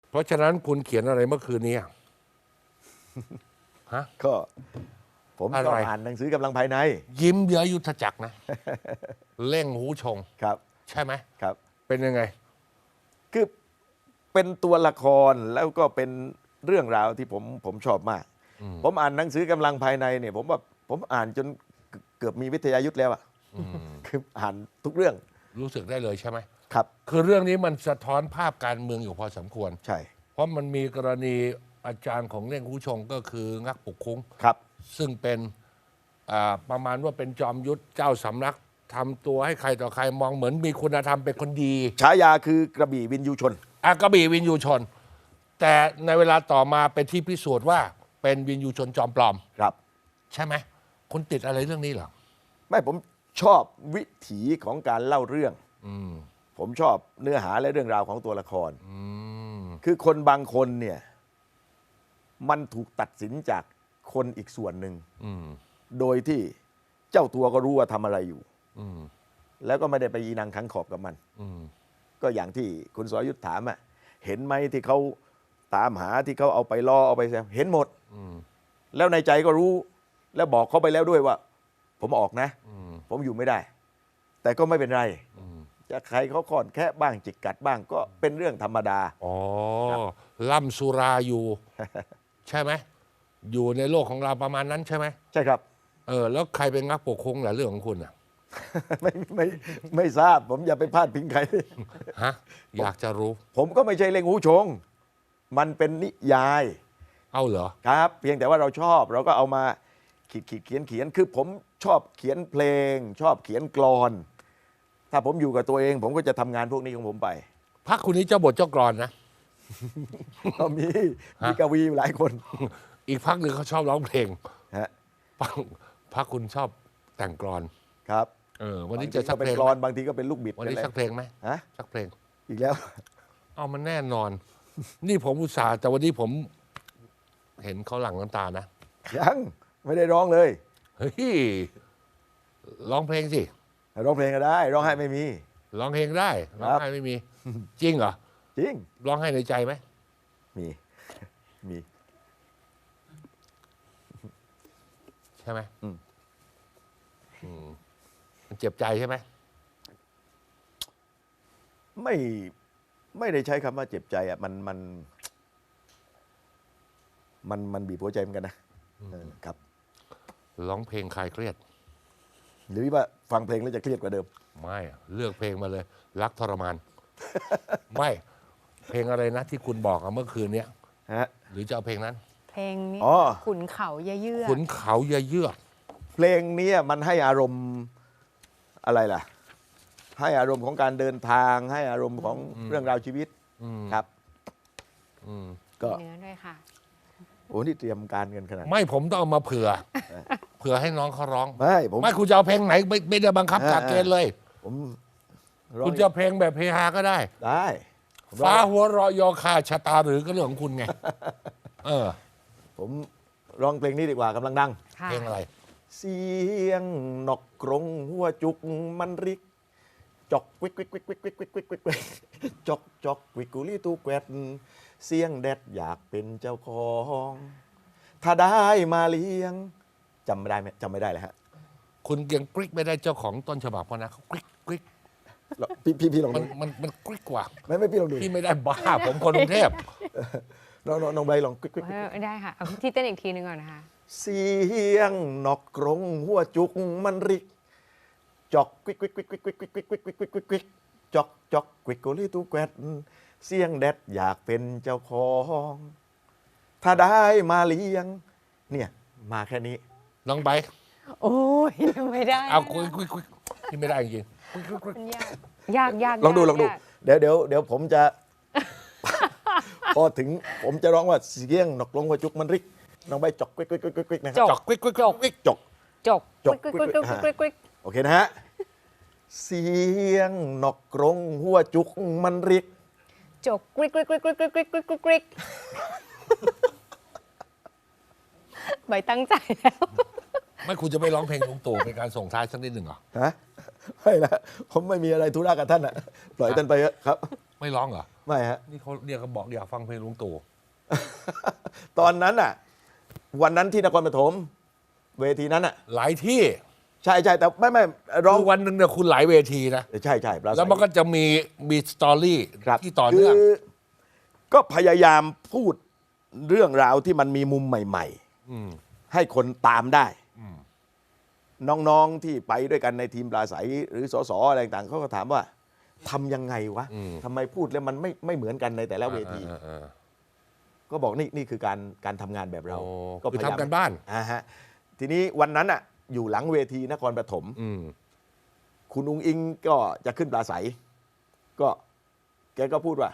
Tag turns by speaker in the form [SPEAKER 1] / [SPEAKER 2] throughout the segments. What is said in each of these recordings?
[SPEAKER 1] เพราะฉะนั้นคุณเขียนอะไรเมื่อคืนนี้อะฮะ
[SPEAKER 2] ก็ผม
[SPEAKER 1] อะ
[SPEAKER 2] ก็
[SPEAKER 1] ไร
[SPEAKER 2] อ่านหนังสือกำลังภายใน
[SPEAKER 1] ยิ้มเยื้อยุทธจักรนะ เร่งหูชง
[SPEAKER 2] ครับ
[SPEAKER 1] ใช่ไหม
[SPEAKER 2] ครับ
[SPEAKER 1] เป็นยังไง
[SPEAKER 2] คือเป็นตัวละครแล้วก็เป็นเรื่องราวที่ผมชอบมาก ผมอ่านหนังสือกำลังภายในเนี่ยผมว่าผมอ่านจนเกือบมีวิทยายุทธแล้วอะคืออ่านทุกเรื่อง
[SPEAKER 1] รู้สึกได้เลยใช่ไหม
[SPEAKER 2] ครับ
[SPEAKER 1] คือเรื่องนี้มันสะท้อนภาพการเมืองอยู่พอสมควร
[SPEAKER 2] ใช่
[SPEAKER 1] เพราะมันมีกรณีอาจารย์ของเร่งหูชงก็คืองักปุกคุ้ง
[SPEAKER 2] ครับ
[SPEAKER 1] ซึ่งเป็นประมาณว่าเป็นจอมยุทธเจ้าสำนักทำตัวให้ใครต่อใครมองเหมือนมีคุณธรรมเป็นคนดี
[SPEAKER 2] ฉายาคือกระบี่วินยูชน
[SPEAKER 1] กระบี่วินยูชน แต่ในเวลาต่อมาเป็นที่พิสูจน์ว่าเป็นวินยูชนจอมปลอม
[SPEAKER 2] ครับ
[SPEAKER 1] ใช่ไหมคุณติดอะไรเรื่องนี้เหรอ
[SPEAKER 2] ไม่ผมชอบวิถีของการเล่าเรื่อง ผมชอบเนื้อหาและเรื่องราวของตัวละคร คือคนบางคนเนี่ยมันถูกตัดสินจากคนอีกส่วนหนึ่ง โดยที่เจ้าตัวก็รู้ว่าทำอะไรอยู่ แล้วก็ไม่ได้ไปยีนังขังขอบกับมัน ก็อย่างที่คุณสรยุทธถามอะเห็นไหมที่เขาตามหาที่เขาเอาไปล่อเอาไปแซวเห็นหมด แล้วในใจก็รู้ แล้วบอกเขาไปแล้วด้วยว่า ผมออกนะ ผมอยู่ไม่ได้ แต่ก็ไม่เป็นไร จะใครเขาค่อนแค่บ้างจิกกัดบ้างก็เป็นเรื่องธรรมดา
[SPEAKER 1] อ๋อล่ำสุราอยู่ ใช่ไหม อยู่ในโลกของเราประมาณนั้นใช่ไหม
[SPEAKER 2] ใช่ครับ
[SPEAKER 1] แล้วใครเป็นงักปกครองล่ะเรื่องของคุณอ่ะ
[SPEAKER 2] ไม่ทราบ ผมอย่าไปพาดพิงใคร
[SPEAKER 1] ฮะ อยากจะรู้
[SPEAKER 2] ผมก็ไม่ใช่เล่งหูชง มันเป็นนิยาย
[SPEAKER 1] เอาเหรอ
[SPEAKER 2] ครับ เพียงแต่ว่าเราชอบเราก็เอามาเขียนคือผมชอบเขียนเพลง ชอบเขียนกลอน ถ้าผมอยู่กับตัวเอง ผมก็จะทำงานพวกนี้ของผมไป
[SPEAKER 1] พักคุณนี้เจ้าบทเจ้ากรอนนะ
[SPEAKER 2] ก็มีกวีอยู่หลายคน
[SPEAKER 1] อีกพักหนึ่งเขาชอบร้องเพลง
[SPEAKER 2] ฮะ
[SPEAKER 1] พักคุณชอบแต่งกรอน
[SPEAKER 2] ครับ
[SPEAKER 1] วันนี้จะสัก
[SPEAKER 2] เป็
[SPEAKER 1] เพ
[SPEAKER 2] น
[SPEAKER 1] ลง
[SPEAKER 2] กล
[SPEAKER 1] ไห
[SPEAKER 2] อ
[SPEAKER 1] ม
[SPEAKER 2] นบางทีก็เป็นลูกบิด
[SPEAKER 1] วันนี้
[SPEAKER 2] เป็
[SPEAKER 1] สักเพลงไหม
[SPEAKER 2] ฮะ
[SPEAKER 1] สักเพลง
[SPEAKER 2] อีกแล้ว
[SPEAKER 1] เอามันแน่นอน นี่ผมอุตส่าห์แต่วันนี้ผมเห็นเขาหลั่งน้ำตานะ
[SPEAKER 2] ยังไม่ได้ร้องเลย
[SPEAKER 1] เฮ้ยร้องเพลงสิ
[SPEAKER 2] ร้องเพลงก็ได้ ร้องไห้ไม่มี
[SPEAKER 1] ร้องเพลงได้ร้องไห้ไม่มี จริงเหรอ
[SPEAKER 2] จริง
[SPEAKER 1] ร้องไห้ในใจไหม
[SPEAKER 2] มี มี
[SPEAKER 1] ใช่ไหม
[SPEAKER 2] อืม
[SPEAKER 1] มันเจ็บใจใช่ไหม
[SPEAKER 2] ไม่ได้ใช้คำว่าเจ็บใจอ่ะมันบีบหัวใจเหมือนกันนะครับ
[SPEAKER 1] ร้องเพลงคลายเครียด
[SPEAKER 2] หรือว่าฟังเพลงแล้วจะเครียดกว่าเดิม
[SPEAKER 1] ไม่เลือกเพลงมาเลย รักทรมาน ไม่ เพลงอะไรนะที่คุณบอกเมื่อคืนเนี้ย
[SPEAKER 2] ฮะ
[SPEAKER 1] หรือจะเอาเพลงนั้น
[SPEAKER 3] เพลงนี้
[SPEAKER 2] อ๋อ
[SPEAKER 3] ขุนเขาเยื่อ
[SPEAKER 1] ขุนเขาเยือก
[SPEAKER 2] เพลงเนี้ยมันให้อารมณ์อะไรล่ะ ให้อารมณ์ของการเดินทาง ให้อารมณ์ของเรื่องราวชีวิตครับก็
[SPEAKER 3] เนื้อด้วยค่ะ
[SPEAKER 2] โอ้นี่เตรียมการกันขนาด
[SPEAKER 1] ไม่ผมต้องเอามาเผื่อ เผื่อให้น้องเขาร้อง
[SPEAKER 2] ผม
[SPEAKER 1] ไม่คุณจะเอาเพลงไหนไม่ได้บังคับกฎเกณฑ์เลย
[SPEAKER 2] ผมร้อง
[SPEAKER 1] คุณจะเอาเพลงแบบเฮฮาก็ได้
[SPEAKER 2] ได้ผมร้อง
[SPEAKER 1] ฟ้าหัวเราะยอคาชะตาหรือก็เรื่องของคุณไง
[SPEAKER 2] ผมร้องเพลงนี้ดีกว่ากำลังดัง
[SPEAKER 3] ค่ะ
[SPEAKER 1] เพลงอะไร
[SPEAKER 2] เสียงนกกรงหัวจุกมันริก จอกวิกวิกวิกวิกวิกวิกวิกวิกวิกจอกจอกวิกกุลีตูแกวดเสียงแดดอยากเป็นเจ้าของ ถ้าได้มาเลี้ยงจำไม่ได้ไหมจำไม่ได้เลยฮะ
[SPEAKER 1] คุณยังกริ๊กไม่ได้เจ้าของต้นฉบับเพราะนะเขากริ๊กกริ๊ก
[SPEAKER 2] พี่ลอง
[SPEAKER 1] มั
[SPEAKER 2] ดู
[SPEAKER 1] มันกริ๊กกว่า
[SPEAKER 2] ไม่พี่ลองดู
[SPEAKER 1] พี่ไม่ได้บ้า ผมคนกรุงเทพ
[SPEAKER 2] น้องใบลองวิกวิก
[SPEAKER 3] ได้ค่ะ เอาที่เต้นอีกทีหนึงก่อนนะคะ
[SPEAKER 2] เสียงนกกรงหัวจุกมันริก จอกวิกวิกวิกวิกวิกวิกวิกวิกวิกวิกวิกวิกจอกจอกวิกกุลีตูแกวดเสียงแดดอยากเป็นเจ้าของ ถ้าได้มาเลี้ยง เนี่ยมาแค่นี้
[SPEAKER 1] น้องไบร์ท
[SPEAKER 3] โอ้ยไม่ได้
[SPEAKER 1] เอาคุยพี่ไม่ได้จริงกริ๊กกริ๊กกริ๊ก
[SPEAKER 3] มันยากยาก
[SPEAKER 2] ลองดู
[SPEAKER 3] ยาก
[SPEAKER 2] ลองดู
[SPEAKER 3] ยาก
[SPEAKER 2] เดี๋ยวผมจะ พอถึงผมจะร้องว่าเสียงนกกรงหัวจุกมันริกน้องใบจอกวิกวิกวิกวิกวิกนะค
[SPEAKER 1] จ
[SPEAKER 2] รั
[SPEAKER 1] อบ กกริ๊กกริ๊กกริ๊ก
[SPEAKER 2] จอก
[SPEAKER 3] จก
[SPEAKER 2] จก
[SPEAKER 3] กริ๊กกริ๊กกริ๊กกริ๊กกริ๊ก
[SPEAKER 2] โอเคนะฮะ เสียงนกกรงหัวจุกมันริก
[SPEAKER 3] จกกริ๊กกริ๊กกริ๊กกริ๊กกริ๊กกริ๊กกริ๊กกริ๊กกริ๊กใบตั้งใจแล้ว
[SPEAKER 1] ไม่คุณจะไม่ร้องเพลงลุงตู่เป็นการส่งท้ายสักนิดหนึ่งเหรอ
[SPEAKER 2] ฮะไม่ละผมไม่มีอะไรธุระกับท่านอ่ะ ปล่อยท่านไปเถอะครับ
[SPEAKER 1] ไม่ร้องเหรอ
[SPEAKER 2] ไม่ฮะ
[SPEAKER 1] นี่เขาบอกอยากฟังเพลงลุงตู่
[SPEAKER 2] ตอนนั้นอ่ะ วันนั้นที่นครปฐมเวทีนั้นอ่ะ
[SPEAKER 1] หลายที่
[SPEAKER 2] ใช่แต่ไม่ร้อง
[SPEAKER 1] คือวันหนึ่งเนี่ยคุณหลายเวทีนะ
[SPEAKER 2] ใช่ปราศัย
[SPEAKER 1] แล้วมันก็จะมีสตอรี่
[SPEAKER 2] ครับ
[SPEAKER 1] ที่ต่อเนื่อง
[SPEAKER 2] คือก็พยายามพูดเรื่องราวที่มันมีมุมใหม่
[SPEAKER 1] อืม
[SPEAKER 2] ๆ ให้คนตามได้
[SPEAKER 1] อืม
[SPEAKER 2] น้องๆที่ไปด้วยกันในทีมปราศัยหรือสสอะไรต่างๆเขาก็ถามว่าทำยังไงวะทำไมพูดแล้วมันไม่เหมือนกันในแต่ละเวที ก็บอกนี่คือการทำงานแบบเรา
[SPEAKER 1] โอ้
[SPEAKER 2] ก็
[SPEAKER 1] คือ
[SPEAKER 2] พยายาม
[SPEAKER 1] ทำกันบ้าน
[SPEAKER 2] ฮะทีนี้วันนั้นอ่ะอยู่หลังเวทีนครปฐม
[SPEAKER 1] อืม
[SPEAKER 2] คุณอุ้งอิงก็จะขึ้นปราศัย ก็แกก็พูดว่า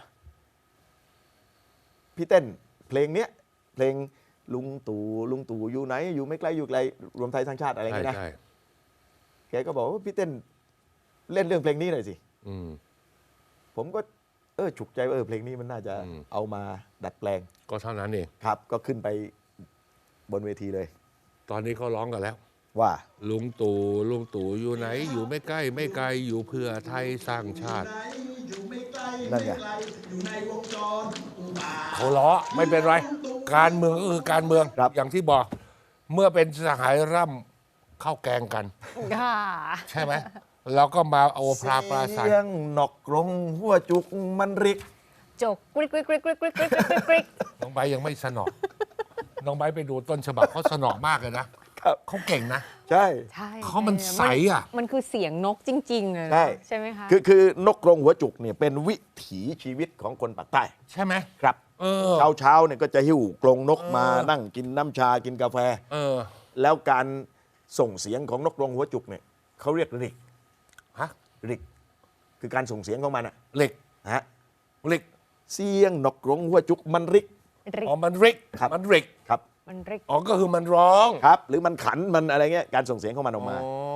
[SPEAKER 2] พี่เต้นเพลงเนี้ยเพลงลุงตู่อยู่ไหน อยู่ไม่ไกลอยู่ไกลรวมไทยสร้างชาติอะไรอย่าง
[SPEAKER 1] ใช่
[SPEAKER 2] เงี้ยนะ
[SPEAKER 1] ใช่
[SPEAKER 2] แกก็บอกว่าพี่เต้นเล่นเรื่องเพลงนี้หน่อยสิ
[SPEAKER 1] อืม
[SPEAKER 2] ผมก็ฉุกใจว่าเพลงนี้มันน่าจะ
[SPEAKER 1] อืม
[SPEAKER 2] เอามาดัดแปลง
[SPEAKER 1] ก็เท่านั้นเอง
[SPEAKER 2] ครับ ก็ขึ้นไปบนเวทีเลย
[SPEAKER 1] ตอนนี้เขาร้องกันแล้ว
[SPEAKER 2] ว่า
[SPEAKER 1] ลุงตู่อยู่ไหน อยู่ไม่ใกล้ไม่ไกลอยู่เพื่อไทยสร้างชาติ
[SPEAKER 2] นั่นไง
[SPEAKER 1] เขาล้อไม่เป็นไร การเมืองก็คือการเมือง
[SPEAKER 2] ครับ
[SPEAKER 1] อย่างที่บอก เมื่อเป็นสหายร่ำเข้าแกงกัน
[SPEAKER 3] ค่ะ
[SPEAKER 1] ใช่ไหมเราก็มาเอาปลาใส
[SPEAKER 2] เสียงนกกรงหัวจุกมันริก
[SPEAKER 3] จกกริกกริกกริกกริกกริกกริกกริกกริก
[SPEAKER 1] น้องใบร์ทยังไม่สนอ น้องใบร์ทไปดูต้นฉบับเขาสนอมากเลยนะครับ เขาเก่งนะ
[SPEAKER 2] ใช่
[SPEAKER 3] ใช่
[SPEAKER 1] เขามันใสอ่ะ
[SPEAKER 3] มันคือเสียงนกจริงๆเลย
[SPEAKER 2] ใช่
[SPEAKER 3] ใช่ไหมคะ
[SPEAKER 2] คือนกกรงหัวจุกเนี่ยเป็นวิถีชีวิตของคนปากใต้
[SPEAKER 1] ใช่ไหม
[SPEAKER 2] ครับ
[SPEAKER 1] เออ
[SPEAKER 2] เช้าเนี่ยก็จะหิ้วกรงนกมา
[SPEAKER 1] เออ
[SPEAKER 2] นั่งกินน้ำชากินกาแฟ
[SPEAKER 1] เออ
[SPEAKER 2] แล้วการส่งเสียงของนกกรงหัวจุกเนี่ยเขาเรียกริก
[SPEAKER 1] ฮะ
[SPEAKER 2] ริก คือการส่งเสียงของมันอะ
[SPEAKER 1] เหล็ก
[SPEAKER 2] ฮะ
[SPEAKER 1] เหล็ก
[SPEAKER 2] เสียงนกกรงหัวจุกมันริก
[SPEAKER 3] ริก
[SPEAKER 1] อ๋อมันริก
[SPEAKER 2] ครับ
[SPEAKER 1] มันริก
[SPEAKER 2] ครับ
[SPEAKER 3] มันริก
[SPEAKER 1] อ๋อก็คือมันร้อง
[SPEAKER 2] ครับ หรือมันขันมันอะไรเงี้ยการส่งเสียงของมันออกมา
[SPEAKER 1] อ๋อ